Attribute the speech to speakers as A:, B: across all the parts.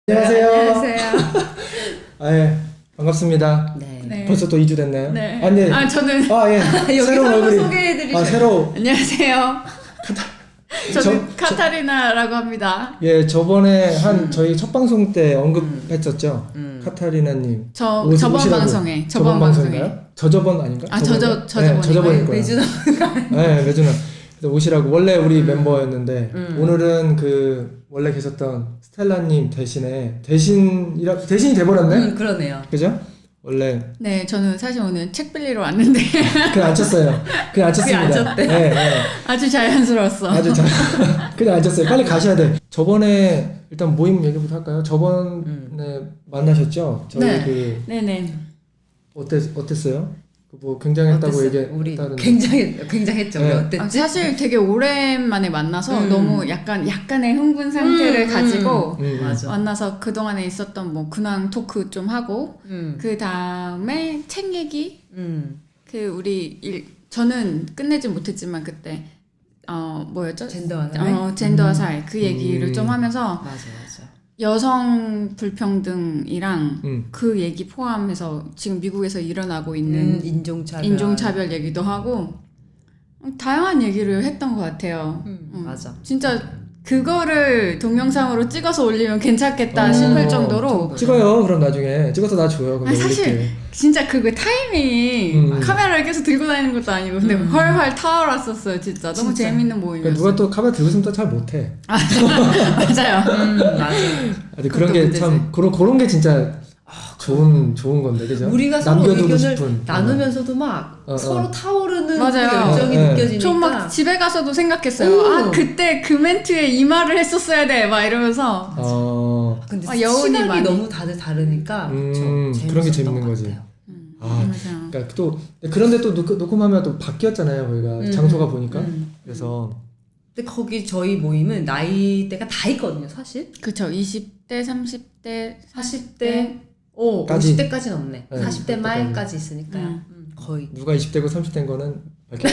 A: 안녕하세요.
B: 안녕하세요.
A: 예, 반갑습니다.
B: 네.
C: 네.
A: 벌써 또 2주 됐나요?
C: 네.
A: 아, 네.
C: 저는
A: 예.
B: 여기
A: 새로운
B: 한번
A: 얼굴이.
B: 소개해드리세요.
A: 새로.
C: 안녕하세요. 저는
A: 저-
C: 카타리나라고 합니다.
A: 예, 저번에 저희 첫 방송 때 언급했었죠. 카타리나님.
C: 저번
A: 오시라고.
C: 방송에
A: 방송인가요? 저저번 아닌가?
C: 아,
A: 저번에?
C: 저저번인가요?
A: 네, 저저번일 거예요.
B: 매주
A: 네, 매주는. 그래서 오시라고 원래 우리 멤버였는데 오늘은 그 원래 계셨던 스텔라님 대신이 돼버렸네.
B: 그러네요.
A: 그죠? 원래
C: 네, 저는 사실 오늘 책 빌리러 왔는데
A: 그냥 앉혔어요. 그냥 앉혔습니다.
B: 그냥 앉혔대.
A: 네, 네.
C: 아주 자연스러웠어.
A: 아주 잘 그냥 앉았어요. 빨리 가셔야 돼. 저번에 일단 모임 얘기부터 할까요? 저번에 만나셨죠? 저희
C: 네. 네네.
A: 어땠어요? 뭐 굉장했다고
B: 우리
A: 얘기했다는데.
B: 굉장했죠.
A: 네.
B: 우리 어땠지?
C: 사실 되게 오랜만에 만나서 너무 약간의 흥분 상태를 가지고
B: 맞아.
C: 만나서 그동안에 있었던 뭐 근황 토크 좀 하고 그 다음에 책 얘기 저는 끝내지 못했지만 그때 뭐였죠?
B: 젠더와 사회?
C: 젠더와 사회 그 얘기를 좀 하면서
B: 맞아.
C: 여성 불평등이랑 그 얘기 포함해서 지금 미국에서 일어나고 있는 인종차별 얘기도 하고 다양한 얘기를 했던 것 같아요.
B: 맞아.
C: 진짜 그거를 동영상으로 찍어서 올리면 괜찮겠다 싶을 정도로
A: 찍어요. 그럼 나중에 찍어서 나 줘요. 그럼
C: 아니, 사실
A: 올릴게.
C: 진짜 그 타이밍이 카메라를 계속 들고 다니는 것도 아니고 근데 훨훨 타올랐었어요. 진짜 너무
B: 진짜.
C: 재밌는
A: 그러니까
C: 모임이었어요.
A: 누가 또 카메라 들고 있으면 또 잘 못해.
C: 맞아요.
B: 맞아.
A: 아니, 그런 게 참 그런 게 진짜 좋은 건데, 그죠?
B: 우리가 서로
A: 남겨두고
B: 의견을
A: 싶은.
B: 나누면서도 막 서로 타오르는
C: 맞아요.
B: 그 열정이
A: 네.
B: 느껴지니까.
C: 전 막 집에 가서도 생각했어요. 아 그때 그 멘트에 이 말을 했었어야 돼. 막 이러면서
B: 근데
C: 여운이
B: 시각이
C: 많이.
B: 너무 다들 다르니까
A: 그런 게
B: 재밌었던
A: 재밌는
B: 것
A: 거지.
B: 같아요.
C: 맞아요.
A: 그러니까 또 그런데 또 녹음하면 또 바뀌었잖아요. 거기가 장소가 보니까. 그래서
B: 근데 거기 저희 모임은 나이대가 다 있거든요, 사실.
C: 그쵸. 20대, 30대,
B: 40대,
A: 까지.
B: 50대까지는 없네.
A: 네,
B: 40대
A: 50대
B: 말까지 있으니까요. 거의.
A: 누가 20대고 30대인 거는 밝히지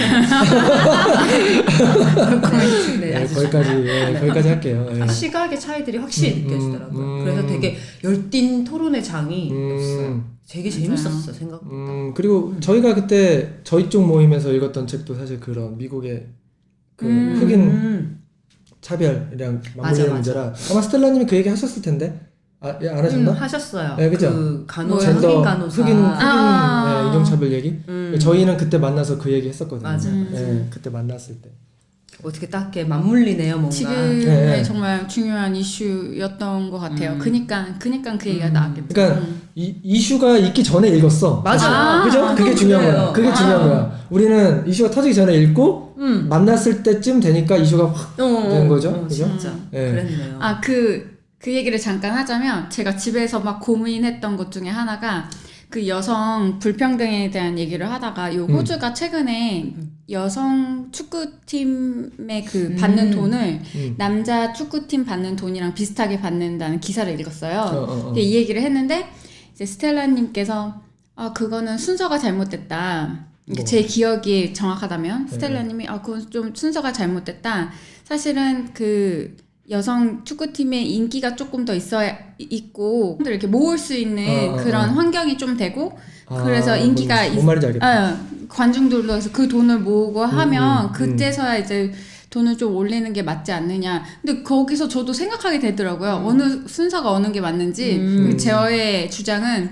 B: 네, 아주
A: 거기까지 할게요. 예.
B: 시각의 차이들이 확실히 느껴지더라고요. 그래서 되게 열띤 토론의 장이었어요. 되게 재밌었어, 생각보다.
A: 그리고 저희가 그때 저희 쪽 모임에서 읽었던 책도 사실 그런 미국의 그 흑인 차별이랑 맞물리는 문제라 아마 스텔라님이 그 얘기 하셨을 텐데 안 하셨나?
B: 하셨어요.
A: 네, 그죠?
B: 그
A: 젠더
B: 흑인 간호사.
A: 흑인 인종차별 얘기. 저희는 그때 만나서 그 얘기 했었거든요.
B: 맞아.
A: 예, 그때 만났을 때.
B: 어떻게 딱 이렇게 맞물리네요, 뭔가.
C: 지금의
A: 네.
C: 정말 중요한 이슈였던 것 같아요. 그니까 그 얘기가 나왔겠죠.
A: 그러니까 이 이슈가 있기 전에 읽었어.
B: 맞아.
A: 그죠? 그게
B: 그건
A: 중요한
B: 그래요.
A: 거야. 그게 중요한 거야. 우리는 이슈가 터지기 전에 읽고 만났을 때쯤 되니까 이슈가 확 되는 거죠. 그죠?
B: 진짜.
A: 예.
B: 그랬네요.
C: 그 얘기를 잠깐 하자면 제가 집에서 막 고민했던 것 중에 하나가 그 여성 불평등에 대한 얘기를 하다가 요 호주가 최근에 여성 축구팀의 그 받는 돈을 남자 축구팀 받는 돈이랑 비슷하게 받는다는 기사를 읽었어요. 근데 이 얘기를 했는데 이제 스텔라님께서 그거는 순서가 잘못됐다. 제 기억이 정확하다면 스텔라님이 그건 좀 순서가 잘못됐다. 사실은 그 여성 축구팀의 인기가 조금 더 있고 이렇게 모을 수 있는 그런 환경이 좀 되고 그래서 인기가
A: 뭔 말인지 알겠다.
C: 관중들로 해서 그 돈을 모으고 하면 그때서야 이제 돈을 좀 올리는 게 맞지 않느냐. 근데 거기서 저도 생각하게 되더라고요. 어느 순서가 어느 게 맞는지. 저의 주장은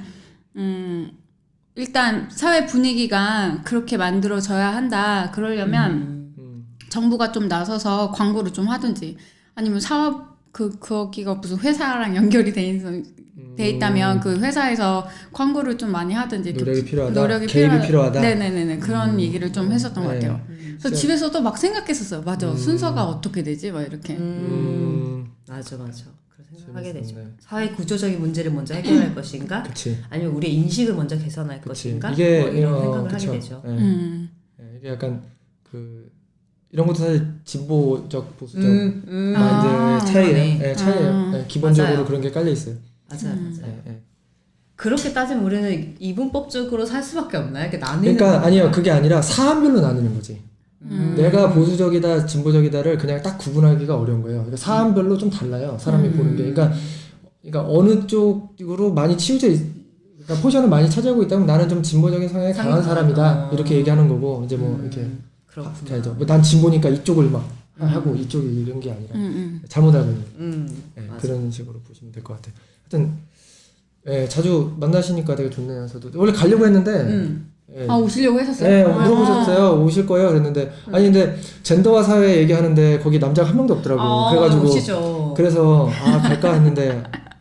C: 일단 사회 분위기가 그렇게 만들어져야 한다. 그러려면 정부가 좀 나서서 광고를 좀 하든지 아니면 사업 거기가 무슨 회사랑 연결이 돼 있다면 그 회사에서 광고를 좀 많이 하든지
A: 노력이 필요하다.
C: 네네네 그런 얘기를 좀 했었던 것 같아요. 그래서
A: 진짜.
C: 집에서도 막 생각했었어요. 맞아 순서가 어떻게 되지? 막 이렇게.
B: 맞아. 그런 생각하게 되죠.
A: 재밌었네.
B: 사회 구조적인 문제를 먼저 해결할 것인가?
A: 그치.
B: 아니면 우리의 인식을 먼저 개선할 것인가?
A: 이게
B: 뭐 이런 생각을
A: 그쵸.
B: 하게 되죠.
A: 예, 이게 약간 이런 것도 사실 진보적 보수적 마인드의 차이예요. 예, 차이예요. 예, 기본적으로
B: 맞아요.
A: 그런 게 깔려 있어요.
B: 맞아요.
A: 예.
B: 그렇게 따지면 우리는 이분법적으로 살 수밖에 없나요? 이렇게 나뉘는
A: 그러니까
B: 거.
A: 아니요, 그게 아니라 사안별로 나누는 거지. 내가 보수적이다, 진보적이다를 그냥 딱 구분하기가 어려운 거예요. 그러니까 사안별로 좀 달라요. 사람이 보는 게. 그러니까 그러니까 어느 쪽으로 많이 치우쳐 그러니까 포션을 많이 차지하고 있다면 나는 좀 진보적인 성향이 강한 사람이다 이렇게 얘기하는 거고 이제 뭐 이렇게
B: 그렇구나.
A: 뭐 난 진보니까 이쪽을 막 하고 이쪽이 이런 게 아니라 잘못 알고 있는 네, 그런 식으로 보시면 될 것 같아요. 하여튼 예, 자주 만나시니까 되게 좋네요. 저도 원래 가려고 했는데 예,
C: 오시려고 했었어요?
A: 네, 물어보셨어요. 오실 거예요? 그랬는데 아니 근데 젠더와 사회 얘기하는데 거기 남자가 한 명도 없더라고. 그래가지고
B: 오시죠.
A: 그래서 갈까 했는데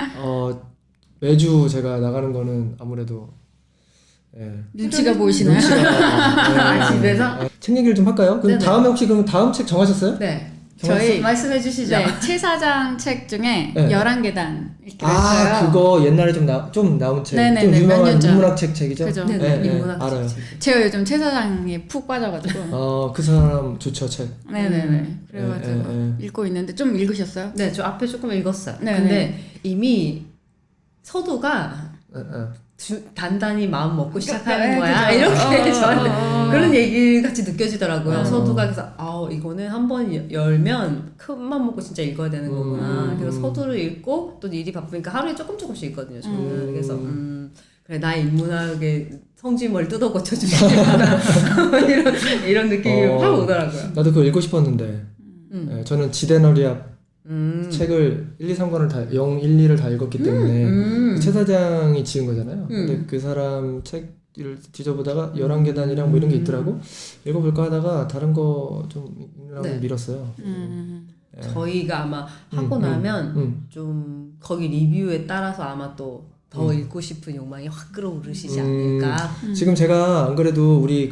A: 매주 제가 나가는 거는 아무래도
C: 눈치가 보이시나요?
B: 집에서?
A: 책 얘기를 좀 할까요? 그럼
B: 네네.
A: 다음에 혹시 그럼 다음 책 정하셨어요?
B: 네.
C: 저희
B: 말씀해 주시죠.
C: 네, 최 사장 책 중에
A: 네.
C: 11계단 읽기로 했어요.
A: 그거 옛날에 좀 나온 책.
C: 네네네,
A: 좀
C: 몇
A: 유명한
C: 년 전.
A: 인문학 책이죠?
C: 그죠.
B: 네네. 인문학
A: 알아요.
C: 제가 요즘 최 사장에 푹 빠져가지고.
A: 그 사람 좋죠, 책.
C: 네네네. 그래가지고 읽고 있는데 좀 읽으셨어요?
B: 네, 저 앞에 조금 읽었어요.
C: 네네.
B: 근데 이미 서두가
A: 예, 예.
B: 단단히 마음 먹고 시작하는
C: 네,
B: 거야.
C: 그죠.
B: 이렇게 저한테 그런 얘기 같이 느껴지더라고요.
A: 어.
B: 서두가 그래서 이거는 한번 열면 큰 맘 먹고 진짜 읽어야 되는 거구나. 그래서 서두를 읽고 또 일이 바쁘니까 하루에 조금씩 읽거든요. 저는 그래서 그래 나의 인문학의 성지머리 뜯어 고쳐 주시구나 이런 느낌이 확 오더라고요.
A: 나도 그거 읽고 싶었는데 예, 저는 지대너리압 책을 1, 2, 3권을 다 0, 1, 2를 다 읽었기 때문에 최 사장이 지은 거잖아요. 근데 그 사람 책을 뒤져보다가 11계단이랑 뭐 이런 게 있더라고. 읽어볼까 하다가 다른 거 좀 읽느라고
B: 네.
A: 밀었어요. 예.
B: 저희가 아마 하고 나면 좀 거기 리뷰에 따라서 아마 또 더 읽고 싶은 욕망이 확 끌어오르시지 않을까.
A: 지금 제가 안 그래도 우리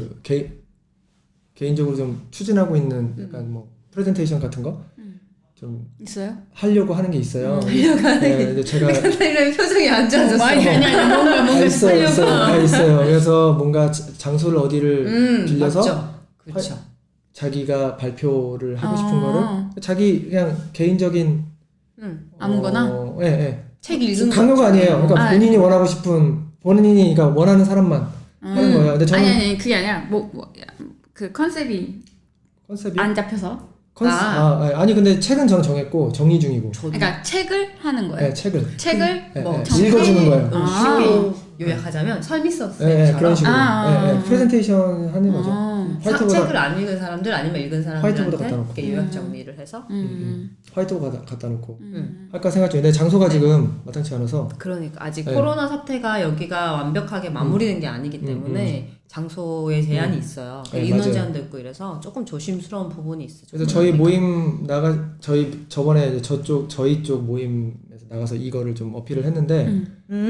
A: 개인적으로 좀 추진하고 있는 약간 뭐 프레젠테이션 같은 거 좀
C: 있어요?
A: 하려고 하는 게 있어요. 근데 제가
B: 이런 표정이 안 좋아졌어.
C: 뭔가
A: 있어요. 그래서 뭔가 장소를 어디를 빌려서
B: 그렇죠.
A: 자기가 발표를 하고 싶은 거를 자기 그냥 개인적인
C: 아무거나?
B: 책 읽은
A: 강요가 아니에요. 그러니까 본인이 원하고 싶은 본인이 그러니까 원하는 사람만 하는 거예요. 근데 저는
C: 아니 그게 아니라 그 컨셉이 안 잡혀서.
A: 아니 근데 책은 저는 정했고 정리 중이고.
C: 그러니까 책을 하는 거예요.
A: 네, 책을
B: 뭐
A: 읽어주는 거예요.
B: 쉽게 요약하자면 설미
A: 그런 식으로
C: 아.
A: 프레젠테이션 하는 거죠.
B: 책을 안 읽은 사람들 아니면 읽은
A: 화이트보드 갖다
B: 사람들한테
A: 놓고.
B: 이렇게 요약 정리를 해서
A: 화이트보드 갖다 놓고 할까 생각 중인데 장소가 지금 마땅치 않아서.
B: 그러니까 아직 코로나 사태가 여기가 완벽하게 마무리된 게 아니기 때문에 장소에 제한이 있어요. 인원
A: 맞아요.
B: 제한도 있고 이래서 조금 조심스러운 부분이 있어요.
A: 그래서 저희 모임 저번에 이제 저희 쪽 모임에서 나가서 이거를 좀 어필을 했는데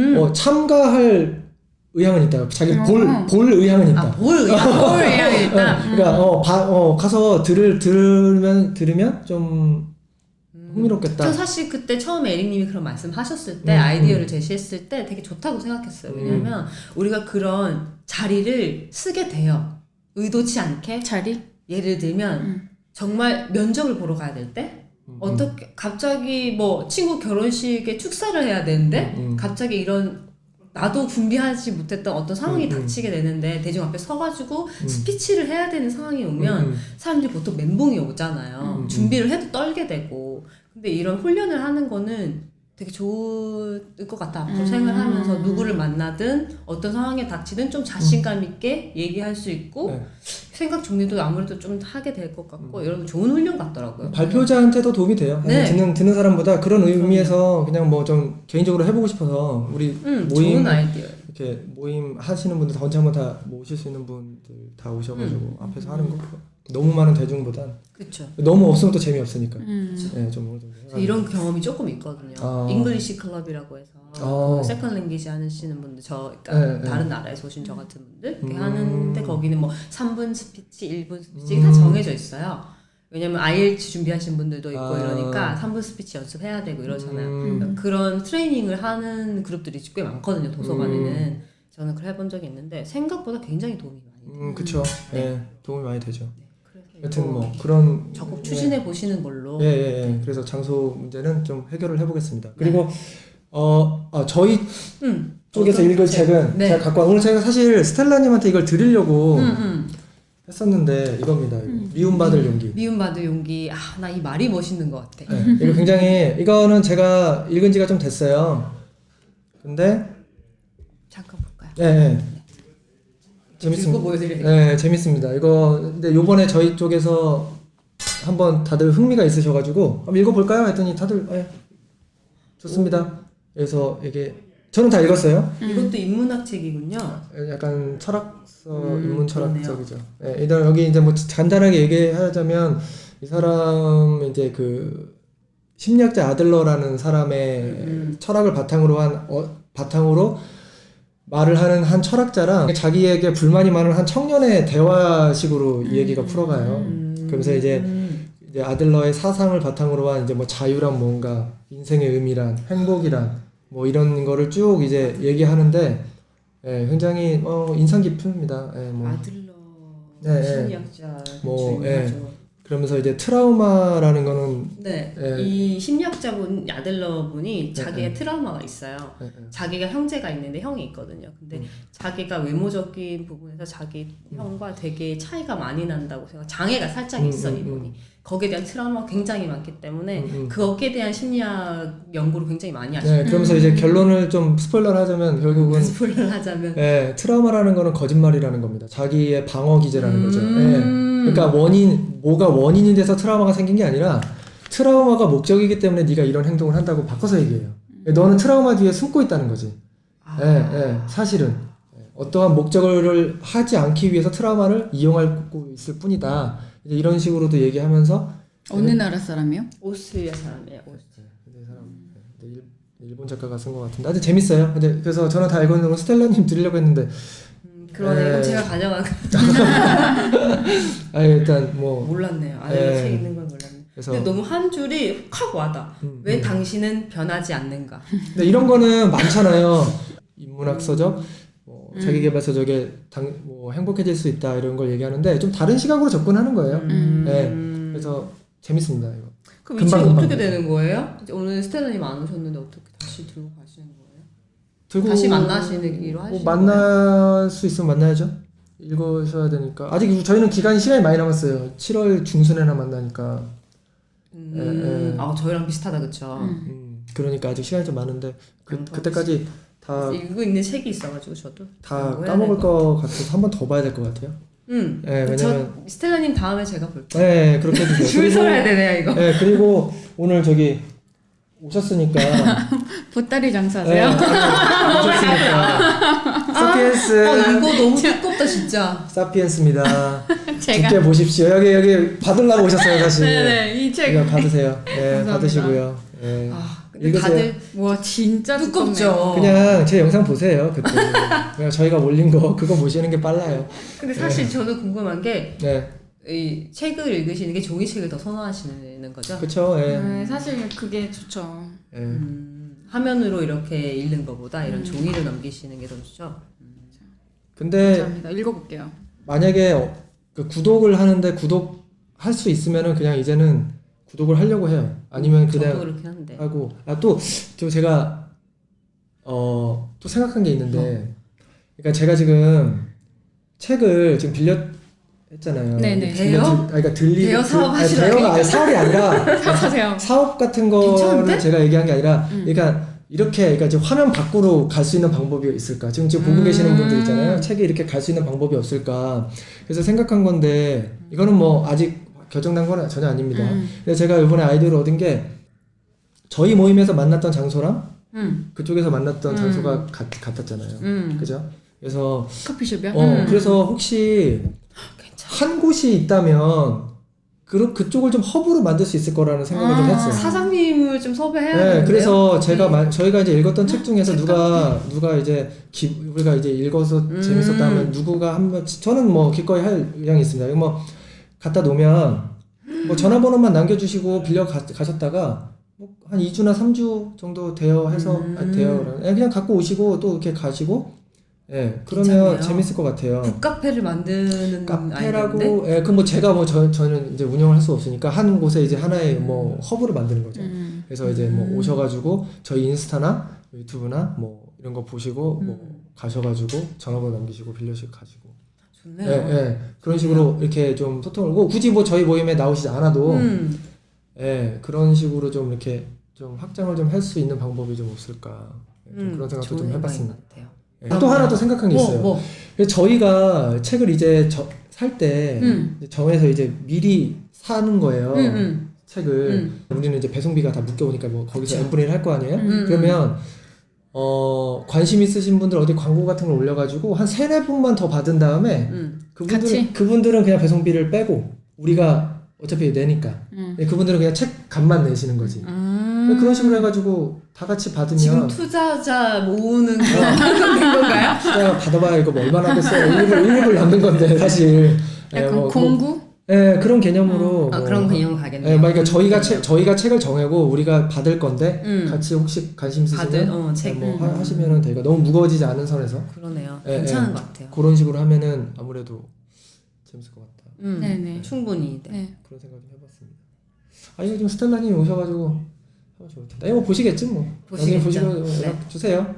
A: 참가할 의향은 있다. 자기 볼 의향은 있다.
B: 볼 의향이 있다.
A: 그러니까 가서 들으면 좀 흥미롭겠다.
B: 저 사실 그때 처음에 에릭님이 그런 말씀하셨을 때 아이디어를 제시했을 때 되게 좋다고 생각했어요. 왜냐면 우리가 그런 자리를 쓰게 돼요. 의도치 않게.
C: 자리?
B: 예를 들면 정말 면접을 보러 가야 될 때 어떻게 갑자기 뭐 친구 결혼식에 축사를 해야 되는데 갑자기 이런 나도 준비하지 못했던 어떤 상황이 닥치게 되는데 대중 앞에 서가지고 스피치를 해야 되는 상황이 오면 사람들이 보통 멘붕이 오잖아요. 준비를 해도 떨게 되고. 근데 이런 훈련을 하는 거는 되게 좋을 것 같아. 앞으로 생활하면서 누구를 만나든 어떤 상황에 닥치든 좀 자신감 있게 얘기할 수 있고 생각 정리도 아무래도 좀 하게 될 것 같고 이런 좋은 훈련 같더라고요.
A: 발표자한테도 도움이 돼요.
B: 네.
A: 듣는 사람보다 그런 의미에서 그냥 뭐 좀 개인적으로 해보고 싶어서 우리 모임
B: 좋은 아이디어.
A: 이렇게 모임 하시는 분들 다 언제 한번 다 모실 수 있는 분들 다 오셔가지고 앞에서 하는 거 너무 많은 대중보단
B: 그렇죠.
A: 너무 없으면 또 재미없으니까. 네, 좀 어느 정도 해가지고.
B: 이런 경험이 조금 있거든요. 잉글리시 클럽이라고 해서 세컨 랭귀지 하시는 분들 그러니까 다른 나라에서 오신 저 같은 분들 이렇게 하는데 거기는 뭐 3분 스피치, 1분 스피치 다 정해져 있어요. 왜냐면 IELTS 준비하신 분들도 있고 이러니까 3분 스피치 연습해야 되고 이러잖아요. 그런 트레이닝을 하는 그룹들이 꽤 많거든요. 도서관에는. 저는 그걸 해본 적이 있는데 생각보다 굉장히 도움이 많이 돼요.
A: 그쵸. 네, 도움이 많이 되죠.
B: 그래서
A: 여튼 뭐 그런
B: 적극 추진해 보시는 걸로.
A: 그래서 장소 문제는 좀 해결을 해보겠습니다. 그리고 저희 쪽에서 읽을 책은 제가 갖고 오늘 제가 사실 스텔라님한테 이걸 드리려고 했었는데 이겁니다. 이거. 미움받을 용기.
B: 미움받을 용기. 아, 나 이 말이 멋있는 것 같아.
A: 네, 이거 굉장히 이거는 제가 읽은 지가 좀 됐어요. 근데
B: 잠깐 볼까요?
A: 네,
B: 읽고 보여드릴게요.
A: 네, 재밌습니다. 이거 근데 요번에 저희 쪽에서 한번 다들 흥미가 있으셔가지고 한번 읽어볼까요? 했더니 다들 좋습니다. 그래서 이게 저는 다 읽었어요.
B: 이것도 인문학 책이군요.
A: 약간 철학서, 인문 철학적이죠.
B: 그러네요.
A: 네, 일단 여기 이제 뭐 간단하게 얘기하자면 이 사람 이제 그 심리학자 아들러라는 사람의 철학을 바탕으로 말을 하는 한 철학자랑 자기에게 불만이 많은 한 청년의 대화식으로 이 얘기가 풀어가요. 그러면서 이제 아들러의 사상을 바탕으로 한 이제 뭐 자유란 뭔가, 인생의 의미란, 행복이란 뭐 이런 거를 쭉 이제 얘기하는데 굉장히 인상 깊습니다. 뭐.
B: 아들러 심리학자
A: 뭐,
B: 중요하죠.
A: 그러면서 이제 트라우마라는 거는
B: 네, 이 심리학자분 아들러분이 자기의 트라우마가 있어요. 자기가 형제가 있는데 형이 있거든요. 근데 자기가 외모적인 부분에서 자기 형과 되게 차이가 많이 난다고 생각. 장애가 살짝 있어 이분이. 거기에 대한 트라우마가 굉장히 많기 때문에 거기에 대한 심리학 연구를 굉장히 많이 하시고.
A: 네, 그러면서 이제 결론을 좀 스포일러를 하자면 결국은
B: 스포일러를 하자면
A: 트라우마라는 거는 거짓말이라는 겁니다. 자기의 방어 기제라는 거죠. 그러니까 뭐가 원인이 돼서 트라우마가 생긴 게 아니라 트라우마가 목적이기 때문에 네가 이런 행동을 한다고 바꿔서 얘기해요. 너는 트라우마 뒤에 숨고 있다는 거지. 사실은 어떠한 목적을 하지 않기 위해서 트라우마를 이용하고 있을 뿐이다. 이제 이런 식으로도 얘기하면서
C: 어느 나라 사람이요?
B: 오스트리아 사람이에요.
A: 일본 작가가 쓴 것 같은데 아주 재밌어요. 근데 그래서 저는 다 읽었는데 오늘 스텔라님 드리려고 했는데
B: 그러네. 이건 제가 가져간
A: 일단 뭐
B: 몰랐네요. 아들러 책 있는 걸 몰랐네.
A: 그래서
B: 근데 너무 한 줄이 확 와닿아. 왜 당신은 변하지 않는가?
A: 근데 이런 거는 많잖아요. 인문학서적, 자기계발서적에 뭐 행복해질 수 있다 이런 걸 얘기하는데 좀 다른 시각으로 접근하는 거예요. 그래서 재밌습니다 이거.
B: 그럼 이 책 어떻게 되는 거예요? 오늘 스텔라님 안 오셨는데 어떻게 다시 들고 가시는 거예요? 다시 만나시기로 하시는 거예요?
A: 만날 수 있으면 만나야죠. 읽으셔야 되니까 아직 저희는 시간이 많이 남았어요. 7월 중순에나 만나니까.
B: 저희랑 비슷하다 그쵸?
A: 그러니까 아직 시간이 좀 많은데 그때까지 다
B: 읽고 있는 책이 있어가지고 저도
A: 다 까먹을 것 같아서 한 번 더 봐야 될 것 같아요. 왜냐면
B: 스텔라님 다음에 제가 볼게요.
A: 네, 그렇게 해주세요.
B: 줄 서야 되네요 이거.
A: 네, 그리고 오늘 저기 오셨으니까
C: 보따리 장사세요?
A: 오셨으니까 사피엔스.
B: 이거 너무 두껍다 진짜.
A: 사피엔스입니다.
C: 제가
A: 두께 보십시오. 여기 받으려고 오셨어요 사실.
C: 네네 이 책
A: 이거 받으세요. 네,
C: 감사합니다.
A: 받으시고요. 네.
B: 근데
A: 읽으세요.
B: 다들
C: 와 진짜
B: 두껍죠.
A: 그냥 제 영상 보세요. 그때 그냥 저희가 올린 거 그거 보시는 게 빨라요.
B: 근데 사실 저도 궁금한 게
A: 네,
B: 이 책을 읽으시는 게 종이책을 더 선호하시는 거죠?
A: 그렇죠. 네.
C: 사실 그게 좋죠.
A: 네.
B: 화면으로 이렇게 읽는 것보다 이런 종이를 넘기시는 게 더 좋죠?
A: 근데
C: 감사합니다. 읽어볼게요.
A: 만약에 그 구독을 하는데 구독할 수 있으면은 그냥 이제는 구독을 하려고 해요. 아니면
B: 저도
A: 그냥
B: 그렇게 하는데.
A: 하고 또 제가 또 생각한 게 있는데, 그러니까 제가 지금 책을 지금 했잖아요.
C: 네네.
B: 그러니까
A: 대여
B: 사업 하시라고.
A: 대여가 아니 사업이 아니라
C: 사세요.
A: 사업 같은 거를
B: 괜찮은데?
A: 제가 얘기한 게 아니라, 그러니까 그러니까 지금 화면 밖으로 갈 수 있는 방법이 있을까? 지금 보고 계시는 분들 있잖아요. 책이 이렇게 갈 수 있는 방법이 없을까? 그래서 생각한 건데 이거는 뭐 아직 결정난 건 전혀 아닙니다. 근데 제가 이번에 아이디어를 얻은 게 저희 모임에서 만났던 장소랑 그쪽에서 만났던 장소가 같았잖아요. 그죠? 그래서
C: 커피숍이요?
A: 그래서 혹시 한 곳이 있다면 그쪽을 좀 허브로 만들 수 있을 거라는 생각을 좀 했어요.
B: 사장님을 좀 섭외해야
A: 네,
B: 되는데요.
A: 그래서 저희가 이제 읽었던 책 중에서 누가 이제 우리가 이제 읽어서 재밌었다면 누구가 한번 저는 뭐 기꺼이 할 의향이 있습니다. 뭐 갖다 놓으면 뭐 전화번호만 남겨주시고 가셨다가 뭐 한 2주나 3주 정도 대여해서 그냥 갖고 오시고 또 이렇게 가시고 그러면
B: 괜찮네요.
A: 재밌을 것 같아요.
B: 북카페를 만드는
A: 카페라고 그럼 뭐 제가 뭐 저는 이제 운영을 할 수 없으니까 한 곳에 이제 하나의 뭐 허브를 만드는 거죠. 그래서 이제 뭐 오셔가지고 저희 인스타나 유튜브나 뭐 이런 거 보시고 뭐 가셔가지고 전화번호 남기시고 빌려주시고 가지고
B: 좋네요.
A: 예, 예. 그런 식으로 이렇게 좀 소통을 하고 굳이 뭐 저희 모임에 나오시지 않아도 예, 그런 식으로 좀 이렇게 좀 확장을 좀 할 수 있는 방법이 좀 없을까 좀 그런 생각도
B: 좋은
A: 좀 해봤습니다.
B: 생각인 것 같아요.
A: 예, 또 하나 더 생각한 게 있어요.
B: 뭐?
A: 저희가 책을 이제 살 때 정해서 이제 미리 사는 거예요. 책을 우리는 이제 배송비가 다 묶여오니까 뭐 거기서 n분의 1 할 거 아니에요? 그러면 관심 있으신 분들 어디 광고 같은 걸 올려가지고 한 3-4분만 더 받은 다음에 그분들은 그냥 배송비를 빼고 우리가 어차피 내니까 그분들은 그냥 책 값만 내시는 거지. 그런 식으로 해가지고 다 같이 받으면
B: 지금 투자자 모으는 그런 된 건가요?
A: 투자 받아봐야 이거 뭐 얼마나 하겠어요. 일입을 남는 건데 사실.
C: 약간
A: 뭐,
C: 공구?
A: 예, 그런 개념으로.
B: 그런 개념으로 가겠네요.
A: 예, 그러니까 저희가 책을 정하고 우리가 받을 건데 같이 혹시 관심 있으시면
B: 책.
A: 뭐 하시면은 되니까 너무 무거워지지 않은 선에서.
B: 그러네요.
A: 예,
B: 괜찮은
A: 예.
B: 것 같아요.
A: 그런 식으로 하면은 아무래도 재밌을 것 같다.
C: 네네.
B: 충분히. 네.
C: 네.
A: 그런 생각 좀 해봤습니다. 이거 좀 스텔라님이 오셔가지고 하면 좋을 텐데. 뭐 보시겠지 뭐. 나중에
B: 보시겠죠.
A: 보시고 연락 주세요.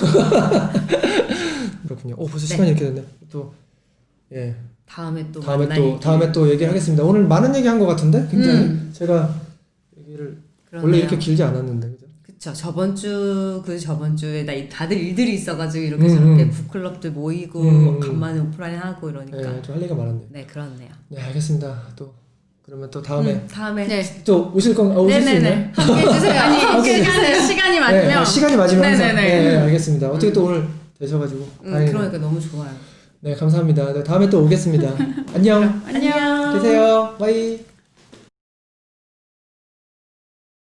A: 그렇군요. 벌써
B: 네.
A: 시간이 이렇게 됐네. 또 예.
B: 다음에 또
A: 다음에 또 얘기를 하겠습니다. 오늘 많은 얘기 한 것 같은데 굉장히 제가 얘기를
B: 그러네요.
A: 원래 이렇게 길지 않았는데 그죠?
B: 그쵸. 저번 주에 다들 일들이 있어가지고 이렇게 저렇게 북클럽들 모이고 간만에 오프라인 하고 이러니까.
A: 네, 좀 할 얘기가 많았네요.
B: 네, 그렇네요.
A: 네, 알겠습니다. 또 그러면 또 다음에
C: 네.
A: 또 오실 수 있나요?
C: 네네네. 함께 해주세요. 아니, 함께 해주세요. 시간이 맞으면.
A: 네, 시간이 맞으면 항상.
C: 네네네.
A: 네, 알겠습니다. 어떻게 또 오늘 되셔가지고 다행이네요.
B: 그러니까 너무 좋아요.
A: 네, 감사합니다. 네, 다음에 또 오겠습니다. 안녕.
C: 안녕.
A: 계세요. 바이.